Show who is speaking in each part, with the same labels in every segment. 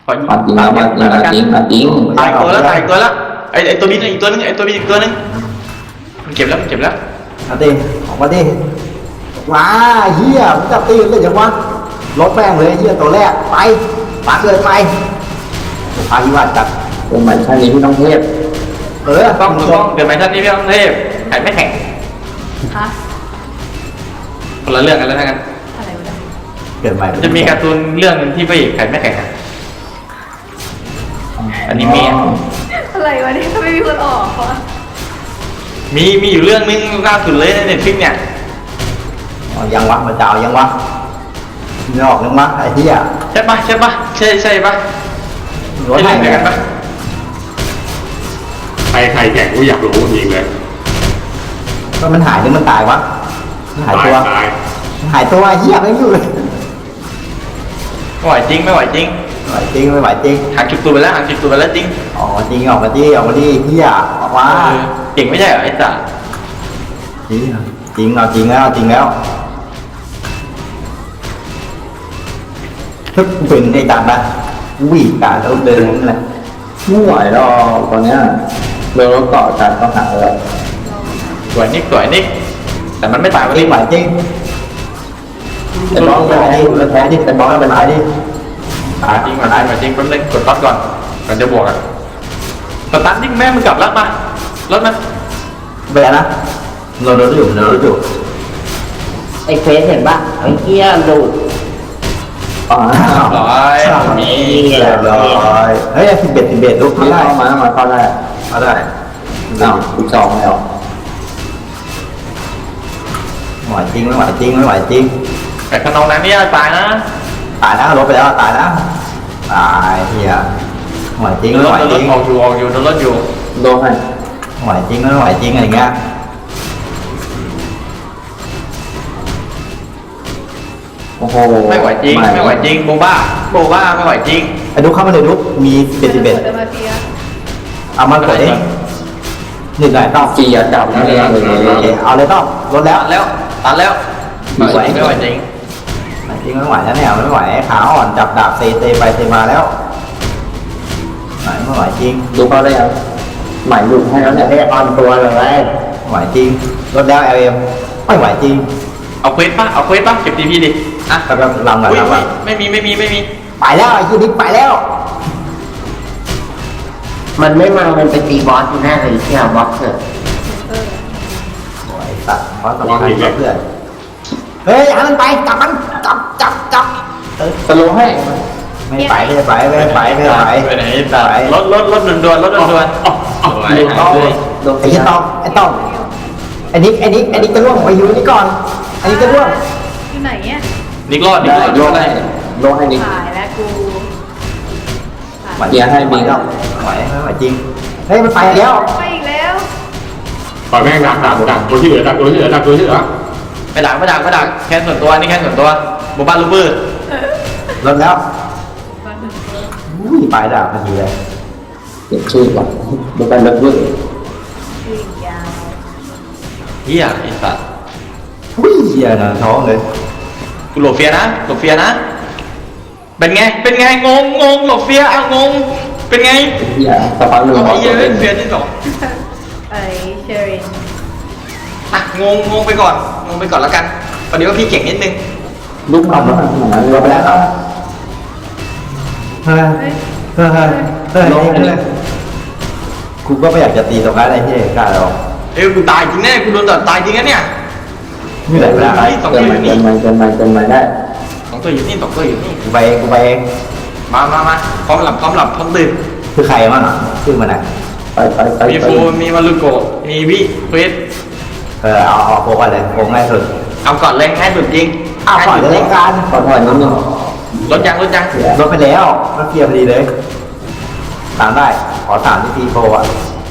Speaker 1: ขอยิง
Speaker 2: จริงแล้วจริงแล้วจริงจริง
Speaker 1: ตายตัวแล้วตายตัวแล้วไอตัวนี้อีกตัวนึงไอตัวนี้อีกตัวนึงมันเก็บแล้วมันเก็บแล้ว
Speaker 3: มาดิออกมาดิว้าเฮียมึงจับตีเลยจังวะรถแม่งเลยเฮียตัวแรกไปปักเลยไปพายิวัดจัด
Speaker 2: เป็นเหมือนชาตินี้พี่ต้องเทพ
Speaker 1: ต้องเกิดใหม่ชาตินี้พี่ต้องเทพแข่งไม่แข่ง
Speaker 4: ฮะ
Speaker 1: คนละเรื่องกันแล้วนะกัน
Speaker 4: อะไรวะเนี่ย
Speaker 3: เกิดใหม่
Speaker 1: จะมีการ์ตูนเรื่องนึงที่พระเอกแข่งไม่แข่งอันนี้มี
Speaker 4: อะไรวะเนี่ยทำไมมีคนออกวะ
Speaker 1: มีอยู่เรื่องนึงล่าสุดเลยในเน็ตฟลิกเนี่ย
Speaker 3: ยังวะมาเจ้ายังวะไม่ออกยังวะไอ้เฮีย
Speaker 1: ใช่ปะใช่ปะใช่ปะ
Speaker 3: รถ
Speaker 1: ใช่
Speaker 3: ไหน
Speaker 1: เรื่องเดียวกันปะ
Speaker 5: ใครแข่งกูอยากรู้จริงเลย
Speaker 3: ก็มันหายหรือมันตายวะหายตัว
Speaker 5: ตาย
Speaker 3: หายตัวเฮียไม่อยู่เลย
Speaker 1: ไม่ไหวจริงไม่ไหวจริง
Speaker 3: ไม่ไหวจริงไม่ไหวจริง
Speaker 1: หางจุดตัวไปแล้วหางจุดตัวไปแล้วจริง
Speaker 3: ออกมาจริงออกมาดิออกมาดิเฮียออกมา
Speaker 1: เก่งไม่ใช่เหรอไอ้สัส
Speaker 3: จริงจริงเอาจริงแล้วจริงแล้วทึบเป็นไอ้จัดนะวิ่งการแล้วเดินนั่นแหละ
Speaker 2: ไม่ไหวหรอกตอนเนี้ยเราเกาะกันต้องหาเลย
Speaker 1: สวยนิกแต่มันไม่ตายวัน
Speaker 3: จริ
Speaker 1: นี้
Speaker 3: งไหวจริง
Speaker 2: แต่น้อง
Speaker 3: แพ้ดิแพ้ดิแต่บอลเป็นไรดิ
Speaker 1: จริงแป๊บนึงกดต๊อดก่อนจะบวกอ่ะสตาร์ทนิ่งแม่มึงกลับแล้วมารถมัน
Speaker 3: แพ้นะเราโดนอยู่
Speaker 6: ไอ้เฟสเห็นป่ะไอ้เหี้ยหลุด
Speaker 2: อ๋อ
Speaker 1: ร้อยมี
Speaker 3: เรียบร้อยเฮ้ย11ลูก
Speaker 2: พี่
Speaker 3: ทำได้
Speaker 2: เข้ามาเข้าได้
Speaker 3: มาได้
Speaker 2: อ้าวอีกสองแล้ว
Speaker 3: ไหวจริงไม่ไหวจริงไม่ไหวจริง
Speaker 1: แต่ขนองนั้นนี่ตายนะ
Speaker 3: ตายนะลบไปแล้วตายนะตายเฮียไหวจริงไม่ไหวจริง
Speaker 1: ออกอยู่โดนรถอยู่
Speaker 2: โดนให้
Speaker 3: ไหวจริงไม่ไหวจริงอะไรเงี้ย
Speaker 2: โอ้โห
Speaker 1: ไม่ไหวจริงโบบ้าไม่ไหวจริง
Speaker 3: ไอ้ดุ๊กเข้ามาเลยดุ๊กมี11
Speaker 4: จะมาเตีย
Speaker 3: เอามากดเองหนึ่งไหนต้อง
Speaker 2: เกียร์จับนั่นเอง
Speaker 3: โอเคเอาเลยต้องลดแล้ว
Speaker 1: ตัดแล้วไม่ไหวจริง
Speaker 3: ไหวจริงไม่ไหวแล้วเนี่ยไม่ไหวขาอ่อนจับดาบเตไปเตมาแล้วไม่ไหวจริง
Speaker 2: ดูเขาได้ยังหมายหลุดให้แล้วเนี่ย
Speaker 6: เฮ้ยออนตัวเลย
Speaker 3: ไม่ไหวจริงลดแล้วLMไม่ไหวจริง
Speaker 1: เอาเควสป่ะเก็บทีพีดิอ่ะ
Speaker 3: แล้วก็ลำก่อนลำก่อน
Speaker 1: ไม่มี
Speaker 3: ไปแล้วไอ้ยี่นิกไปแล้ว
Speaker 6: มันไม่มามันไปตีบอสอยู่แน่เลยเที่ยวบอสเถอะ
Speaker 3: โอ้ยสัตว์เพราะสำคัญกับเพื่อนเฮ้ยเอามันไปจับมันจับ
Speaker 2: สโลให้
Speaker 3: ไม่ไปไม่ไป
Speaker 1: ไปไหนตัดรถด่วนไหว
Speaker 2: โดน
Speaker 3: ไอ้ยี่ต้องไอ้ต้องไอ้นิกจะล่วงไปอยู่นี่ก่อนไอ้นิกจะล่วง
Speaker 4: อยู่ไหนเนี่ย
Speaker 1: นิกรอด
Speaker 2: โลให้โลให้นิด
Speaker 4: ตายแล้วกู
Speaker 2: เกียร์ให้มี
Speaker 3: แล้วไหวไม่ไหวจริงเฮ้ยมันไปแล้ว
Speaker 4: ไปอีกแล้ว
Speaker 5: ปล่อยแม่งดักตัวที่เหลือตัวที่เหลือ
Speaker 1: ไม่ดักแค่ส่วนตัวนี่แค่ส่วนตัวโบบ้าลูเบอร์
Speaker 3: ลดแล้ว
Speaker 4: บ้านหนึ่งเพิ่ม
Speaker 3: อุ้ยปลายดาบพอดีเลย
Speaker 2: เก็บชื่อก่อนดูไปลึกลึก
Speaker 4: ชื่อยาว
Speaker 1: เฮียไอ้สัตว์
Speaker 3: อุ้ยเหี้ยนะท้องเลย
Speaker 1: กูหลบเฟียนะเป็นไงงงหลบเฟียเอางงเป็นไง
Speaker 2: อย่าสปาร์หนึ่ง
Speaker 1: เอาไอ้เหี้ยเฟียที่สอง
Speaker 4: ไอ้เชอริน
Speaker 1: อ่ะงงไปก่อนแล้วกันประเดี๋ยวพี่เก่งนิดนึง
Speaker 2: ลูกทำแล้วมัน
Speaker 3: ลดไปแล้วครับเฮ้ย
Speaker 4: เฮ้ย
Speaker 3: กูก็ไม่อยากจะตีตรงนั้นเลยที่กล้าหรอก
Speaker 1: กูตายจริงแน่กูโดนตัดตายจริงนะเนี่ย
Speaker 3: นี่แหละเวลา
Speaker 1: สอง
Speaker 2: เกิ
Speaker 1: ตั
Speaker 2: น
Speaker 1: วอยู่
Speaker 2: มา
Speaker 1: นี่
Speaker 2: เกินมาได้
Speaker 1: สองตัวอยู่นี่
Speaker 3: กูไปเอง
Speaker 1: มาพร้อมหลับพร้อมตื่น
Speaker 3: คือใครมั่งอ่ะชื่อมันไหน
Speaker 2: ไป
Speaker 1: มีฟูมีมารุโกะมีวิเฟส
Speaker 3: เอาโค้งอะไรโค้งง่ายสุด
Speaker 1: เอาก่อนเลยง่ายสุดจริง
Speaker 3: อ้าวก่อนจะเล่นกัน
Speaker 2: ขอถอยนิดนึง
Speaker 1: รถยัง
Speaker 3: ลดไปแล้วมันเกียร์พอดีเลยตามได้ขอสามที่ตีโฟอ่ะ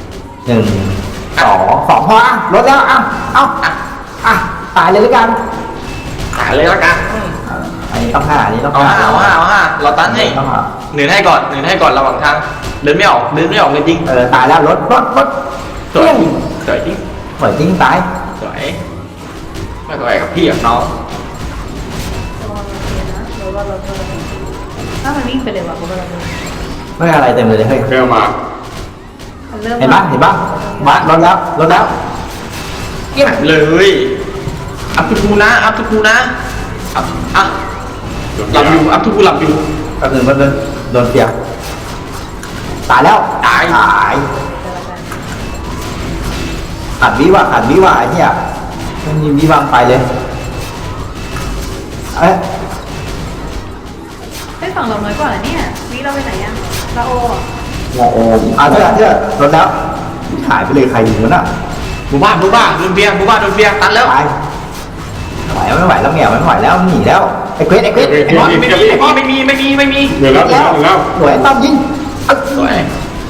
Speaker 3: 1 2 2พออ่ะลดแล้วอ่ะตายเลยแล้วกัน
Speaker 1: หาเลยละกัน
Speaker 3: อันนี้ต้อง5อันนี้ต้อง
Speaker 1: เอา
Speaker 3: 5
Speaker 1: ห้าเราตันให้
Speaker 3: ต้อง5
Speaker 1: หนึ่งให้ก่อนระหว่างทางเดินไม่ออกเลยจริง
Speaker 3: ตายแล้วรถ
Speaker 1: สวยจริง
Speaker 3: เหมือนจริงตาย
Speaker 1: สวยไม่ไหวกับพี่กับน้อง
Speaker 4: ระวังรถเตียนะหรือว่ารถเพิ่มถ้ามันวิ่งไปเลยว่ะกูว่าเราเพิ่ม
Speaker 3: ไม่อะไรเต็มเลยเฮ้ย
Speaker 5: เร็วมา
Speaker 4: มันเริ่ม
Speaker 3: เห็นปะเห็นปะมารถแล้วรถแล้ว
Speaker 1: เงียบเลยอัพทุกูนะอัพทุกูนะอัพอ่ะหลับอยู่อัพทุกูหลับอยู่
Speaker 3: ก็คือมันโดนเสียบตายแล้ว
Speaker 1: ตาย
Speaker 3: ขัดวิวะขัดวิวะไอ้เหี้ยมันยิงวิวังไปเลยเอ้ย
Speaker 4: ไอ้ฝั่งเราน้อยกว่าเหรอเนี่ยวิเราไปไหนยังเราโออ่ะ
Speaker 2: โอ้โห
Speaker 3: เถอะรถแล้วหายไปเลยใครยิงมันอ่ะ
Speaker 1: บูบ้าโดนเบียร์โดนเบียร์ตันแล้ว
Speaker 3: ตายไม่ไหวแล้วแง่ไม่ไหวแล้วหนีแล้วไอ้เควสไอ้บอส
Speaker 1: ไม่มี
Speaker 5: เดี๋ยวแล้วเดี๋ยวแล้ว
Speaker 3: สวยต้อมยิง
Speaker 1: สวย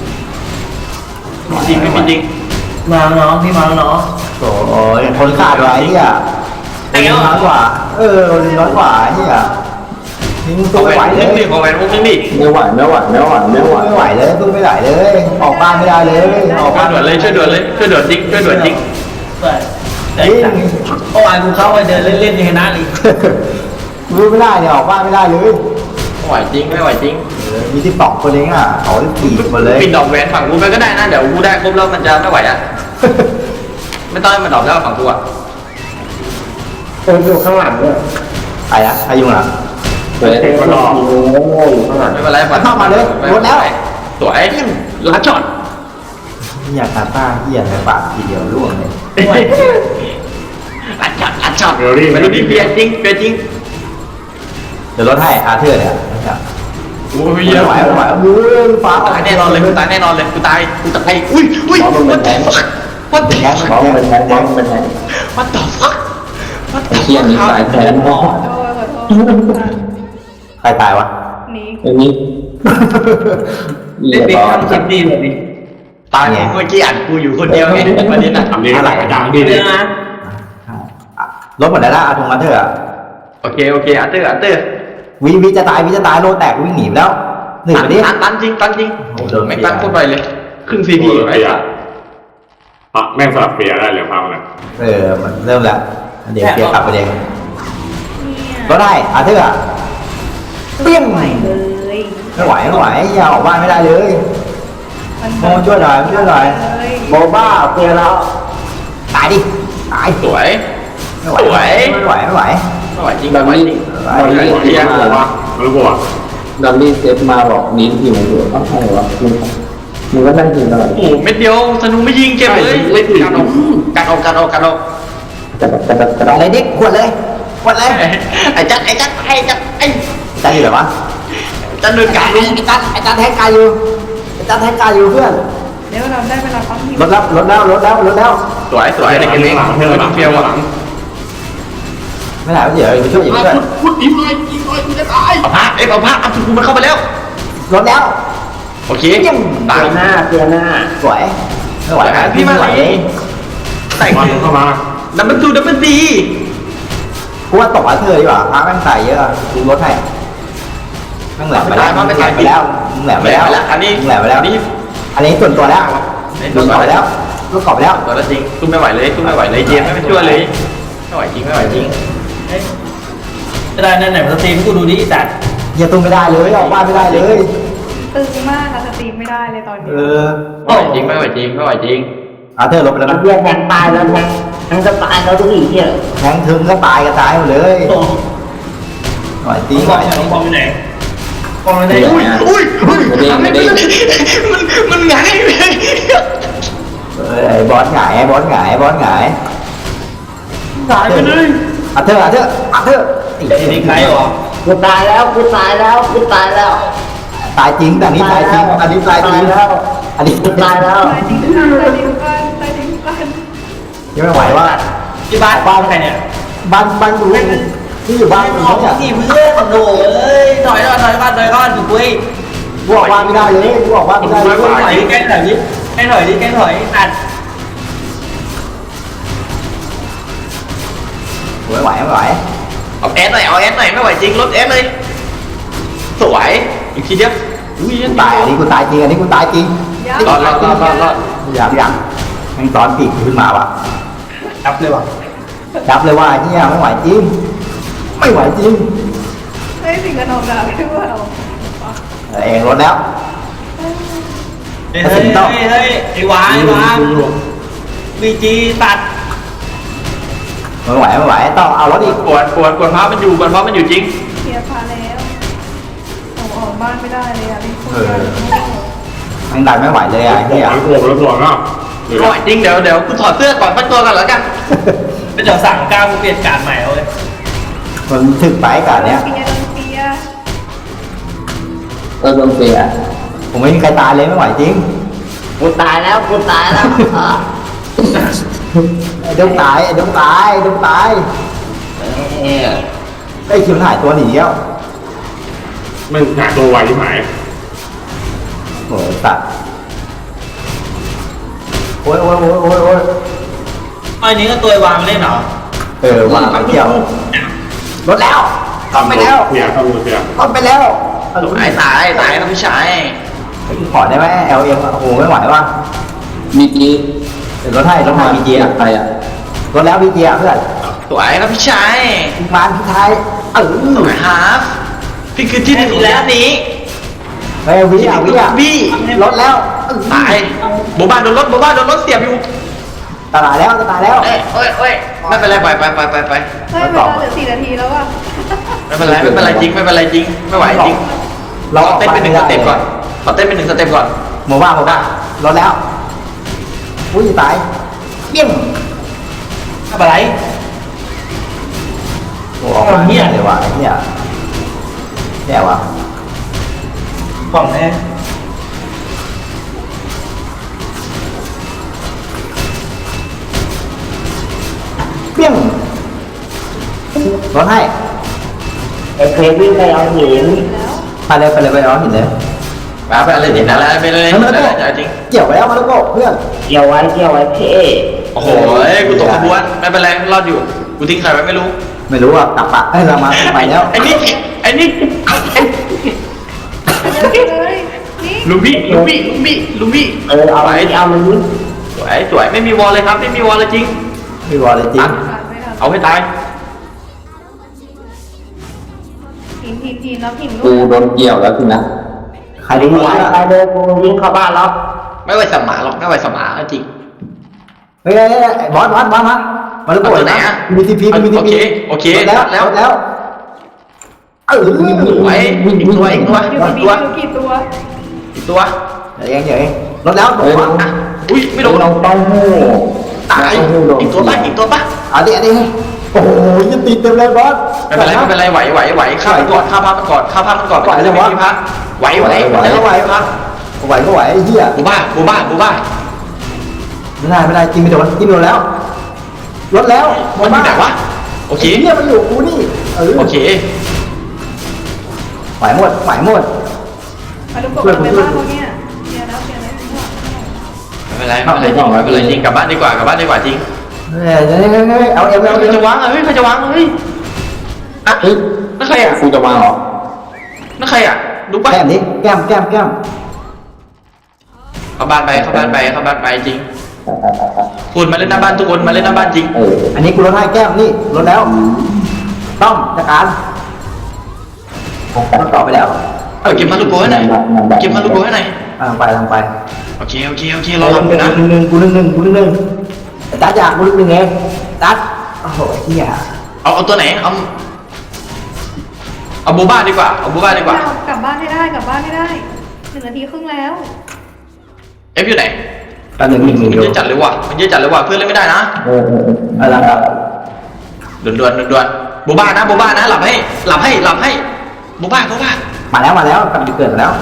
Speaker 1: จริงไม่มีจริง
Speaker 6: มาแล้วน้องพี่มาแล้วน้อง
Speaker 3: โอ้ยคนขาดไว้เหี้ยคนน้อยกว่าคนน้อยกว่าเหี้ยยิงสู้
Speaker 1: เอา
Speaker 3: ไม่ไหว
Speaker 1: แหวน
Speaker 3: เล
Speaker 1: นึ
Speaker 3: ย
Speaker 1: งดิเอาแหวนวงนึงดิ
Speaker 2: ไม่ไหวไม่ไหวไม่ไหวไม่ไหว
Speaker 3: ไม่ไหวเลยสู้ไม่ไหวเลยออกบ้านไม่ได้เลยออก
Speaker 1: ช่ว
Speaker 3: บ้าย น
Speaker 1: ด่วนเลยช่วยด่วนจริง
Speaker 6: เปิด
Speaker 3: ยิง
Speaker 6: เมื่อวานกูเข้าไปเดินเล่นๆยังชนะเลย
Speaker 3: รู้ไม่ได้เนี่ยออกบ้านไม่ได้เลย
Speaker 1: ไม่ไหวจริง
Speaker 3: มี12คนเองอ่ะเขาตีหมดเลย
Speaker 1: ปิดดอกแหวนฝั่งกูไปก็ได้นะเดี๋ยวกูได้ครบแล้วมันจะไม่ไหวอ่ะไม่ต้องให้มันดอกแล้วฝั่งกูอ่ะ
Speaker 2: อยู่ข้างหลังด้วย
Speaker 3: ใครอะใครยุ่งอ่ะ
Speaker 2: เฮ้ยมันรอโง่อยู่ข้างหลัง
Speaker 1: ไม่เป็นไรสวยลัดช็อต
Speaker 3: อยากตาต้าเหี้ยในปากทีเดียวร่วงเลย
Speaker 1: ลัดช็อตมันดูดิเบียร์จริง
Speaker 3: เดี๋ยวรถให้อาเธอร์เนี่ย
Speaker 1: โอ้ย
Speaker 3: ไม่
Speaker 1: เยอะ
Speaker 3: ไหวไม่ไหวรู้ฟ้า
Speaker 1: ตายแน่นอนเลยกูตายอุ้ยwhat the fuck what the
Speaker 2: มอง
Speaker 1: fuck
Speaker 2: เป็นแทงมองเป็นแทง
Speaker 1: what the fuck what
Speaker 2: ไอ้
Speaker 1: the
Speaker 2: เชี่ย
Speaker 1: fuck
Speaker 2: นี่สายแทงมอง
Speaker 4: ขอโทษ
Speaker 3: ใครตายวะ
Speaker 4: นี่
Speaker 2: อันนี้เรียบร้อย
Speaker 6: คลิปดีเลยดิ
Speaker 1: ตายเมื่อกี้อ่านกูอยู่คนเดียวไงวันนี้น่ะ
Speaker 5: ทำนี้อะไรกันดังดีเล
Speaker 6: เรื่
Speaker 5: ย
Speaker 6: องนะ
Speaker 3: รถหมดแล้วนะอาทงอาเธอร์
Speaker 1: โอเคอัตเตอร์
Speaker 3: วิจะตายโลแตกวิ่งหนีไปแล้วหนึ่งไปดิ
Speaker 1: ตันจริงไม่ตันโคตรไปเลยครึ่งซีพีไอ้สัส
Speaker 5: แม่งสลับเปียได้เลยพังเลย
Speaker 3: มันเริ่มแล้วเดี๋ยวเกียร์กลับไปเอง
Speaker 4: เนี่ย
Speaker 3: รถได้อาเธอร์เปี้ยง
Speaker 4: ไหวเลย
Speaker 3: ไม่ไหวอย่าออกบ้านไม่ได้เลย
Speaker 4: มัน
Speaker 3: โมช่วยหน่อยโมบ้าเปลี่ยนแล้วตายดิตาย
Speaker 1: สวย
Speaker 3: ไม่ไหว
Speaker 1: ไม่ไหวจริง
Speaker 2: ดัมมี่ดัมมี่เซฟมา
Speaker 5: ไม่รู้ว่า
Speaker 2: ดัมมี่เซฟมาบอกนิ้นหิวอยู่ต้องใช่วะมึงก็นั่งกินตลอด
Speaker 1: โอ้เม็ดเดียวธนูไม่ยิงเจ็บเลยการออก
Speaker 3: อะไรดิขวดเลย
Speaker 1: ไอ้จัด
Speaker 3: จันอยู่ไหนวะ
Speaker 1: จัดเดินการลุง
Speaker 3: จันแทงกายอยู่เพื่อน
Speaker 4: เดี๋ยวเราได้เวลาปั๊มที
Speaker 3: รถแล้ว
Speaker 1: สวยในเกมนี้เฟี้ยวอ่ะ
Speaker 3: ไม่ได้เดี๋ยวไปช่วยอีกด้วย
Speaker 5: พูดอีกหน่อยกูจะตาย
Speaker 1: เอาผ้าอัพทูมันเข้าไปแล้ว
Speaker 3: รถแล้ว
Speaker 1: โอเคตาย
Speaker 6: เตือนหน้า
Speaker 3: สวยไม่ไหว
Speaker 1: พี่มาไหวแต่ง
Speaker 5: มันเข้ามา
Speaker 1: ดับเบิลดี
Speaker 3: กูว่าตกอาเธอดีกว่าพาแม่งใส่เยอะดูรถให้แม่งแหลมไปแล้วแหลมไปแล้วอันนี้ส่วนตัวแล้วรถกลับไปแล้ว
Speaker 1: ตัวละจริงสู้ไม่ไหวเลยเจมไม่ช่วยเลยไม่ไหวจริง
Speaker 6: จะได้นั่นไหนมาสตรีมกูดูดิจัด
Speaker 3: อย่าตุ้มไม่ได้เลยออกบ้านไม่ได้เลย
Speaker 4: ตึงมากอะสตรีมไม่ได้เลยตอนนี้
Speaker 1: ไม่ไหวจริง
Speaker 3: อาเธอลบไปแล้วนะ
Speaker 6: เพื่อนแทงตายแล้วแทงจะตายแล้วทุกทีเนี่ย
Speaker 3: แทงถึงก็ตายก็ตายหมดเลยหน่อยตีหน่อย
Speaker 6: บอลไปไหนบอลไปไหน
Speaker 1: อุ้ยมันง่ายเลย
Speaker 3: บอสหงาย
Speaker 6: ตายไปเลย
Speaker 3: อาเธอ
Speaker 6: นี่ใครหรอกูตายแล้ว
Speaker 3: ตายจริงแต่นี้ตายจริงอันนี้ตายจริงอันนี้
Speaker 6: กูตายแล้ว
Speaker 4: ตายจริงกัน
Speaker 3: ยังไม่ไหวว่า
Speaker 6: ที่บ้านบ้านใครเนี่ย
Speaker 3: บ้านดูที่อยู่บ้าน
Speaker 6: ออกที่เพื่อนโดยถอยบ้านถูกคุย
Speaker 3: กูออกบ้านไม่ได้เลยกูออกบ้านไม่ได้เลย
Speaker 6: ถอยใกล้ถอยอัด
Speaker 3: ไม่ไหว
Speaker 1: เอาแอสหน่อยไม่ไหวจริงรถแอสเลยสวยอีกทีเดียวอุ้ย
Speaker 3: ตายอันนี้กูตายจริง
Speaker 1: รอด
Speaker 3: ยังแม่งตอนปีกขึ้นมาว่ะ
Speaker 6: จับเลยว่ะ
Speaker 3: จับเลยว่าเนี่ยไม่ไหวจริง
Speaker 4: เฮ้ยสิ่งกระนองดาวด้วยว่าเรา
Speaker 3: เองรถแล้วกระสุนต้อง
Speaker 6: ไอ้วางวีจีตัด
Speaker 3: ไม่ไหวต้องเอารถอีก
Speaker 1: กวนพระมันอยู่จริง
Speaker 4: เคลียร์พาแล้วออกบ้านไม่ได้เลยอ่ะรีบพูด
Speaker 3: มันดันไม่ไหวเลยอ่ะเฮีย
Speaker 5: หลังโผล่แล้วก่อนนะเดี๋ยว
Speaker 1: อร่อยจริงเดี๋ยวกูถอดเสื้อก่อนพักตัวกันแล้วกัน
Speaker 6: เป็นเดี๋ยวสั่งก้าวกูเปลี่ยนการใหม่เอาเลย
Speaker 3: มันถึกไปกันเนี้ย
Speaker 4: โดนเปีย
Speaker 2: โดนเสีย
Speaker 3: ผมไม่มีใครตายเลยไม่ไหวจริง
Speaker 6: กูตายแล้ว
Speaker 3: ไอ้ดงตายไอ้ดงตายไอ้คิวหายตัวหนีแล้ว
Speaker 5: ไม่หาตัวไวที่หมาย
Speaker 3: โหสัตว์โอ้ย
Speaker 6: ไอ้นี้ก็ตัววางเล่นเหรอ
Speaker 3: วางไปเที่ยวรถแล้วต้อมไปแล้ว
Speaker 5: เสียเข้ามือเสีย
Speaker 3: ต้อมไปแล้ว
Speaker 1: ตายนะพี่ชาย
Speaker 3: ขอได้ไหม LM โอ้โหไม่ไหวว่ะ
Speaker 2: มีจี
Speaker 3: เดี๋ยวรถให้รถมา BG อ่ะ
Speaker 2: ใครอ่ะ
Speaker 3: รถแล้ว BG อ่ะเพื่อน
Speaker 1: สวยนะพี่ชาย
Speaker 3: มาพี่ไทย
Speaker 1: สวยฮาร์ฟพี่คือที่หนึ่งแล้วนี้
Speaker 3: เฮ้ยวิอ่ะรถแล้ว
Speaker 1: ตายโบบ้านโดนรถเสียบอยู่
Speaker 3: ตายแล้ว
Speaker 1: เอ้ยไม่เป็นไรไป
Speaker 4: เฮ้ยเวลาเหลือ4 นาทีแล้วอ่ะ
Speaker 1: ไม่เป็นไรจริงไม่ไหวจริง
Speaker 3: เรา
Speaker 1: ขอเต้นเป็น1 สเต็ปก่อน
Speaker 3: โมบ้ารถแล้วอุ้ยตายเปี้ยง
Speaker 6: อะไร
Speaker 3: โอ้ออกมาเนี่ยเลยว่ะเนี่ยแย่ว่ะ
Speaker 6: กล่องแน่
Speaker 3: เปี้ยงรถให้
Speaker 6: ไอ้เพลวิ่งไปเอาหิน
Speaker 4: แล้ว
Speaker 3: ไปเอาหินเลย
Speaker 1: ไปอะไรจริงนะไปเลยจริง
Speaker 3: เกี่ยวไปแล้วมาแล้วก็เพื่อน
Speaker 6: เกี่ยวไว้เท่
Speaker 1: โอ้โหกูตกขบวนไม่เป็นไรรอดอยู่กูทิ้งใครไว้ไม่รู้
Speaker 3: ไม่รู้อ่ะกลับปะให้เรามาไปแล้ว
Speaker 1: ไอ้นี่
Speaker 4: เลยนี่
Speaker 1: ลุงพี่
Speaker 6: เอาไว้เอามันนี้
Speaker 1: สวยไม่มีวอลเลยครับไม่มีวอลเลยจริง
Speaker 3: พี่วอลเลยจริง
Speaker 4: ขาดไม่ทัน
Speaker 1: เอาให้ตาย
Speaker 4: ทีมแล้วทีมลู
Speaker 2: กู
Speaker 4: ก
Speaker 2: โดนเกี่ยวแล้วสินะ
Speaker 3: ใครรู้วะ
Speaker 6: ไปเลยกูยิงเข้าบ้านแล้ว
Speaker 1: ไม่ไหวสมาหรอกไม่ไหวสมาจริง
Speaker 3: เฮ้ยบอสมาแล้วก็มีทีพี
Speaker 1: โอเค
Speaker 3: แล้ว
Speaker 1: ไว้อีกตัว
Speaker 4: อยู่ทีมกี่ตัว
Speaker 3: เดี๋ยวเองรถแล้ว
Speaker 1: อุ้ยไม่โดน
Speaker 2: เราต้องหู
Speaker 1: ตายอีกตัวปะ
Speaker 3: เอาดิโอ้โหยังตีเต็มเลยบอส
Speaker 1: ไม่เป็นไรไหวข้าพักก่อนไหวแล้วไหวพักไหวพัก
Speaker 3: ไหวก็ไหวไอ้เหี้ย
Speaker 1: บูบ้า
Speaker 3: ไม่ได้กินไม่โดนแล้วรถแล้ว
Speaker 1: มันอยู่ไหนวะโอเค
Speaker 3: เหี้ยมันอยู่กูนี่
Speaker 1: โอเค
Speaker 3: ไหวหมด
Speaker 4: มาดูกบในบ้านเขาเนี่ยเคลียร์แล้ว
Speaker 1: ไม่เป็นไรจริงกลับบ้านดีกว่าจริง
Speaker 3: เฮ้ยเอา
Speaker 1: ใครจะวางเฮ้ยอ่ะนั่นใครอ่ะ
Speaker 2: กูจะวางเหรอ
Speaker 1: นั่นใครอ่ะดูป่ะ
Speaker 3: แก้มนี้แก้ม
Speaker 1: เข้าบ้านไปจริงคุณมาเล่นหน้าบ้านทุกคนมาเล่นหน้าบ้านจริง
Speaker 3: อันนี้กูรถให้แก้มนี่รถแล้วต้องจัดการมันต่อไปแล้ว
Speaker 1: เก็บมาลูกโก้ให้หน่อย
Speaker 3: ไป
Speaker 1: โอเคเราทำอยู่นะ
Speaker 3: กูนึงตัดอยากกูนึงเองตัดโอ้โหเหี้ย
Speaker 1: เอาตัวไหนเอาบูบ้าดีกว่า
Speaker 4: กลับบ้านให้ได้1 นาทีครึ่งแล้ว
Speaker 1: เอฟอยู่ไหน
Speaker 3: ตอนหนึ่ง
Speaker 1: มันเยอะจัดเลยว่ะเพื่อนเล่นไม่ได้นะ
Speaker 3: อะไรครับ
Speaker 1: ด่วนบูบ้านะหลับให้บูบ้า
Speaker 3: มาแล้วกำลังเกิดแล้ว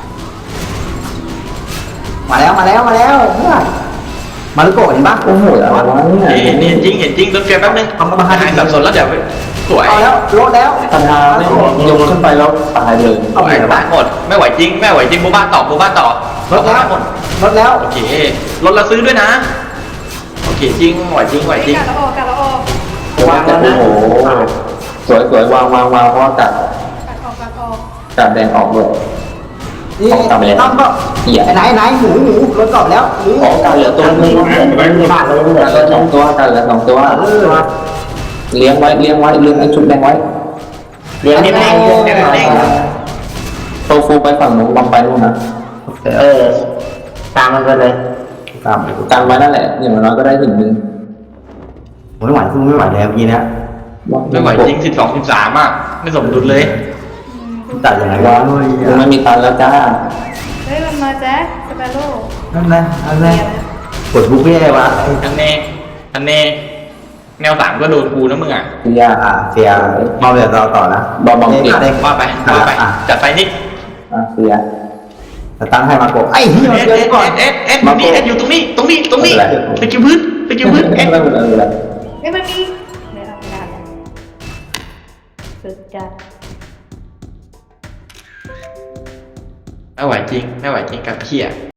Speaker 3: มาแล้วมาลูกโกะเห็นปะโอ้โหแล้ว
Speaker 1: เห็นจริงโดนเฟียแป๊บนึงหายสับสนแล้วเดี๋ยวสวย
Speaker 3: เอาแล้วรถแล้ว
Speaker 2: ปัญหาไม่ยกขึ้นไปแล้วตายเลย
Speaker 1: ตายหมดไม่ไหวจริงบูบ้าต่อ
Speaker 3: รถแล้ว
Speaker 1: โอเครถเราซื้อด้วยนะโอเคจริงไหวจริง
Speaker 4: กัดแล้วออก
Speaker 2: วางแล้วนะโอ้โหสวยวางเพราะว่ากัด
Speaker 4: กัดออก
Speaker 2: กัดแดงออกเลย
Speaker 3: นี่ต้องก็ไหนหมูรถกรอบแล้ว
Speaker 2: ขอกันเหลือตัวนึงขาดเลยเหลือสองตัวกันเหลือ2 ตัวเลี้ยงไว้เลี้ยงไอ้ชุดแดงไว้
Speaker 6: เลี้ยงนี่แม่ง
Speaker 2: โตฟูไปฝั่งนู้นลองไปนู่นนะ
Speaker 6: ตามมันไปเลย
Speaker 3: ตาม
Speaker 2: กันไว้นั่นแหละอย่างน้อยก็ได้ถึงนึง
Speaker 3: ไม่ไหวสู้ไม่ไหวแล้วเมื่อกี้เนี่ย
Speaker 1: ไม่ไหวจริง12-13อ่ะไม่สมดุลเลย
Speaker 3: ตัดยังไงวะ
Speaker 2: กูไม่มีตันแล้วจ้า
Speaker 4: เฮ้ยมันมาแจ็คสเปโร่
Speaker 3: นั่นกดบุฟเฟ่ต์วะ
Speaker 1: อันเน่แนว3ก็โดนกูนะมึงอ่ะ
Speaker 2: พี่ยา
Speaker 3: เสียมาเดี๋ยวเราต่อนะ
Speaker 1: ว่าไปจัดไปนี่
Speaker 2: เสีย
Speaker 3: ตั้งให้มาโกไอ้เหี้ย
Speaker 1: เอ็ด
Speaker 3: ก่อน
Speaker 1: นี่เอ็ดอยู่ตรงนี้ไปกินพื้นเอ็ด
Speaker 2: ไม่เป็นไร
Speaker 4: เฮ้ยมันมีเดี๋ยวเอาไปได้สุดจัด
Speaker 1: ไม่ไหวจริงกับเพี้ย